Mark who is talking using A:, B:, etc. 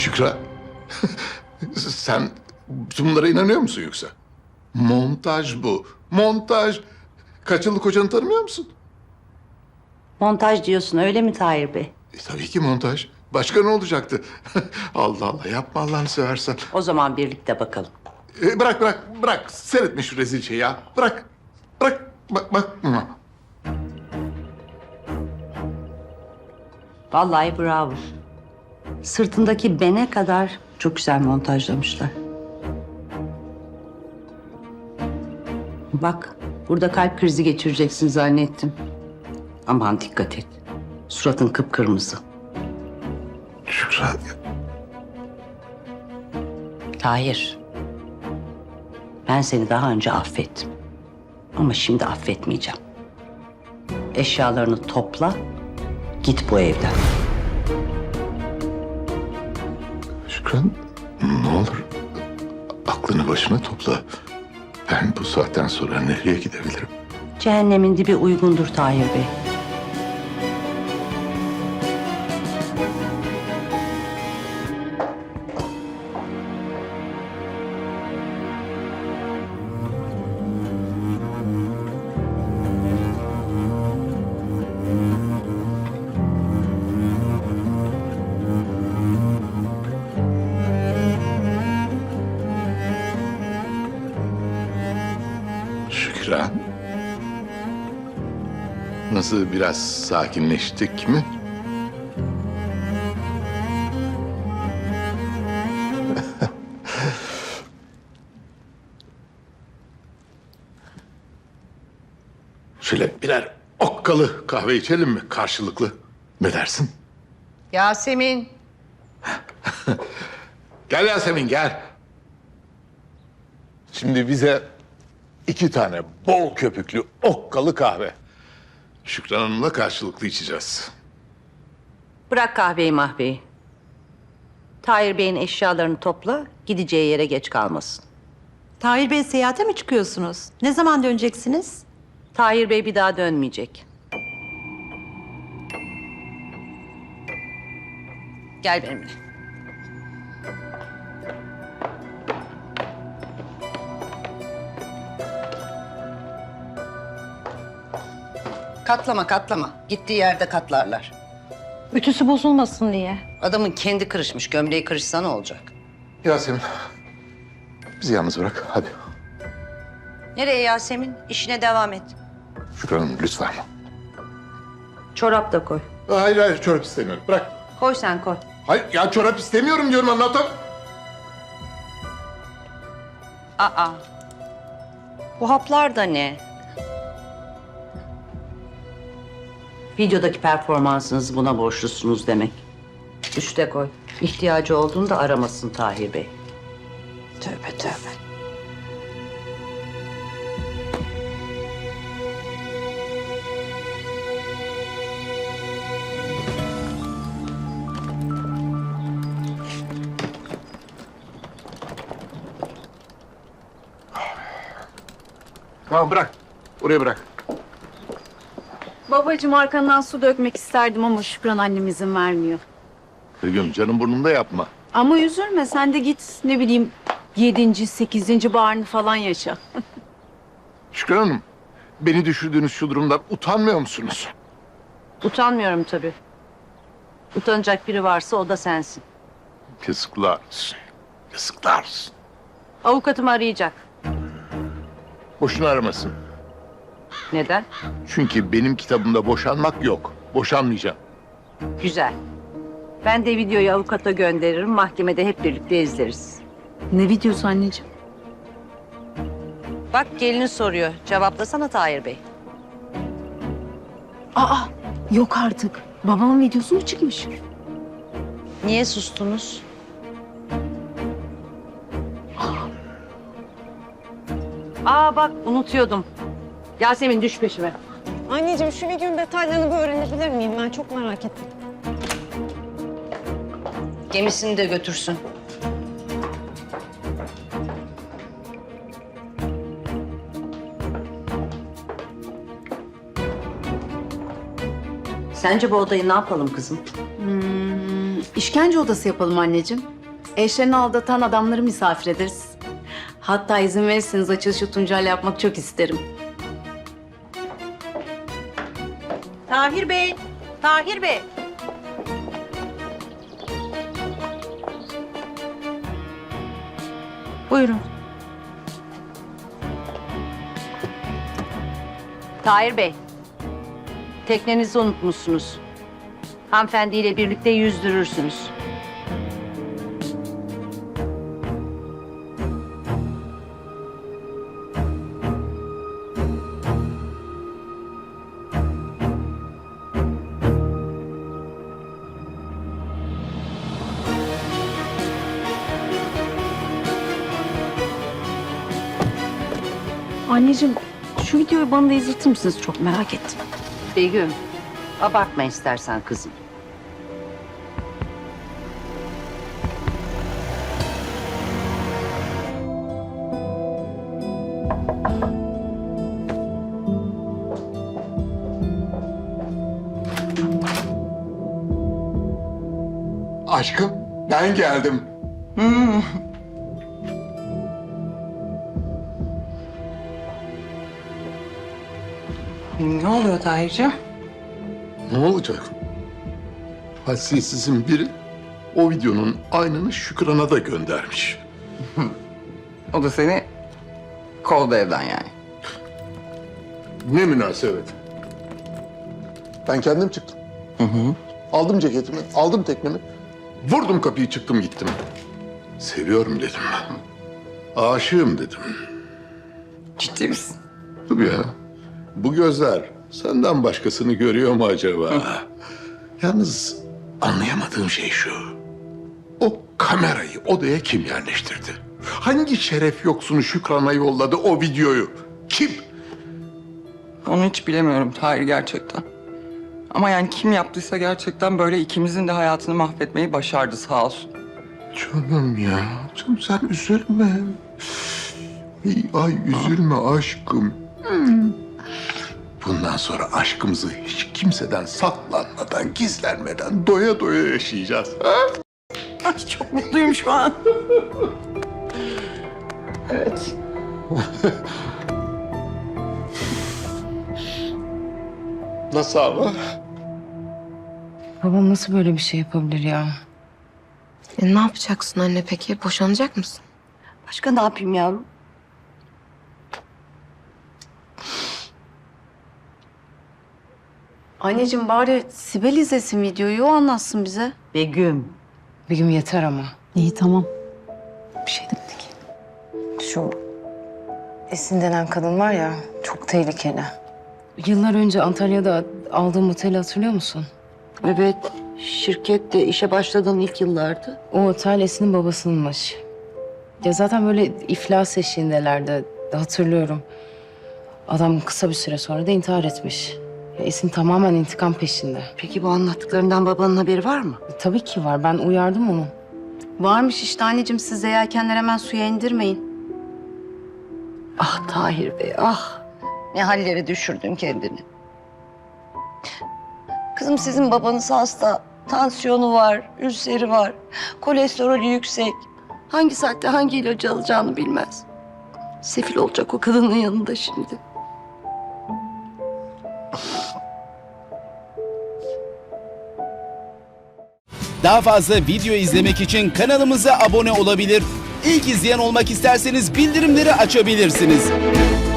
A: Şükran, sen bütün bunlara inanıyor musun yoksa? Montaj bu, montaj. Kaç yıllık kocanı tanımıyor musun?
B: Montaj diyorsun öyle mi Tahir Bey?
A: Tabii ki montaj. Başka ne olacaktı? Allah Allah, yapma Allah'ını seversen.
B: O zaman birlikte bakalım.
A: Bırak. Seyretme şu rezil şeyi ya. Bırak. Bak.
B: Vallahi bravo. Sırtındaki bene kadar çok güzel montajlamışlar. Bak, burada kalp krizi geçireceksin zannettim. Aman dikkat et. Suratın kıpkırmızı.
A: Şükran.
B: Tahir, ben seni daha önce affettim. Ama şimdi affetmeyeceğim. Eşyalarını topla, git bu evden.
A: Şükran, ne olur aklını başına topla. Ben bu saatten sonra nereye gidebilirim?
B: Cehennemin dibi uygundur Tahir Bey.
A: Şükran. Nasıl, biraz sakinleştik mi? Şöyle birer okkalı kahve içelim mi karşılıklı? Ne dersin?
B: Yasemin.
A: Gel Yasemin, gel. Şimdi bize 2 tane bol köpüklü okkalı kahve. Şükran Hanım'la karşılıklı içeceğiz.
B: Bırak kahveyi mahveyi. Tahir Bey'in eşyalarını topla, gideceği yere geç kalmasın.
C: Tahir Bey, seyahate mi çıkıyorsunuz? Ne zaman döneceksiniz?
B: Tahir Bey bir daha dönmeyecek. Gel benimle. Katlama. Gittiği yerde katlarlar.
C: Ütüsü bozulmasın diye.
B: Adamın kendi kırışmış, gömleği kırışsa ne olacak?
A: Yasemin, bizi yalnız bırak, hadi.
B: Nereye Yasemin? İşine devam et.
A: Şükran Hanım, lütfen.
B: Çorap da koy.
A: Hayır, çorap istemiyorum, bırak.
B: Koy sen koy.
A: Hayır, ya çorap istemiyorum diyorum, anlatam.
B: Aa. Bu haplar da ne? Videodaki performansınızı buna borçlusunuz demek. Üste koy. İhtiyacı olduğunda aramasın Tahir Bey. Tövbe.
A: Tamam, bırak. Oraya bırak.
D: Babacığım, arkandan su dökmek isterdim ama Şükran annem izin vermiyor.
A: Begüm, canım burnunda yapma.
D: Ama üzülme, sen de git ne bileyim 7. 8. baharını falan yaşa.
A: Şükran Hanım, beni düşürdüğünüz şu durumdan utanmıyor musunuz?
B: Utanmıyorum tabii. Utanacak biri varsa o da sensin.
A: Yazıklar olsun. Yazıklar olsun.
B: Avukatım arayacak.
A: Boşuna aramasın.
B: Neden?
A: Çünkü benim kitabımda boşanmak yok. Boşanmayacağım.
B: Güzel. Ben de videoyu avukata gönderirim. Mahkemede hep birlikte izleriz.
D: Ne videosu anneciğim?
B: Bak gelini soruyor. Cevaplasana Tahir Bey.
D: Aa, yok artık. Babamın videosu mu çıkmış?
B: Niye sustunuz? Aa bak unutuyordum. Yasemin düş peşime.
E: Anneciğim, şu videonun detaylarını bir öğrenebilir miyim? Ben çok merak ettim.
B: Gemisini de götürsün. Sence bu odayı ne yapalım kızım?
D: İşkence odası yapalım anneciğim. Eşlerini aldatan adamları misafir ederiz. Hatta izin verirseniz açılışı Tuncay'la yapmak çok isterim.
C: Tahir Bey, Tahir Bey. Buyurun.
B: Tahir Bey, teknenizi unutmuşsunuz. Hanımefendiyle birlikte yüzdürürsünüz.
D: Anneciğim şu videoyu bana da izletir misiniz? Çok merak ettim.
B: Begüm, abartma istersen kızım.
A: Aşkım, ben geldim.
F: Ne oluyor Tahir'ciğim?
A: Ne olacak? Hassiyetsizin biri o videonun aynını Şükran'a da göndermiş.
F: O da seni kovdu evden yani.
A: Ne münasebet. Ben kendim çıktım. Aldım ceketimi, aldım teknemi. Vurdum kapıyı, çıktım gittim. Seviyorum dedim. Aşığım dedim.
F: Ciddi misin?
A: Tabii ya. Bu gözler senden başkasını görüyor mu acaba? Yalnız anlayamadığım şey şu. O kamerayı odaya kim yerleştirdi? Hangi şeref yoksunu Şükran'a yolladı o videoyu? Kim?
F: Onu hiç bilemiyorum Tahir gerçekten. Ama yani kim yaptıysa gerçekten böyle ikimizin de hayatını mahvetmeyi başardı sağ olsun.
A: Canım ya. Canım sen üzülme. Ay üzülme aşkım. Bundan sonra aşkımızı hiç kimseden saklanmadan, gizlenmeden doya doya yaşayacağız. Ha?
F: Ay çok mutluyum şu an. Evet.
A: Nasıl ama?
G: Babam nasıl böyle bir şey yapabilir ya?
H: Ne yapacaksın anne peki? Boşanacak mısın?
B: Başka ne yapayım yavrum?
D: Anneciğim bari Sibel izlesin videoyu, o anlatsın bize.
B: Begüm,
G: Bir gün yeter ama.
D: İyi tamam. Bir şey demedik.
G: Şu Esin denen kadın var ya, çok tehlikeli. Yıllar önce Antalya'da aldığım oteli hatırlıyor musun?
B: evet, şirkette işe başladığın ilk yıllardı.
G: O otel Esin'in babasınınmış. Ya zaten böyle iflas eşiğindelerdi, hatırlıyorum. Adam kısa bir süre sonra da intihar etmiş. Ya Esin tamamen intikam peşinde.
B: Peki bu anlattıklarından babanın haberi var mı?
G: Tabii ki var, ben uyardım onu.
D: Varmış işte anneciğim, siz de yelkenleri hemen suya indirmeyin.
B: Ah Tahir Bey, ah. Ne hallere düşürdün kendini. Kızım sizin babanız hasta. Tansiyonu var, ülseri var. Kolesterolü yüksek. Hangi saatte hangi ilacı alacağını bilmez. Sefil olacak o kadının yanında şimdi.
I: Daha fazla video izlemek için kanalımıza abone olabilir. İlk izleyen olmak isterseniz bildirimleri açabilirsiniz.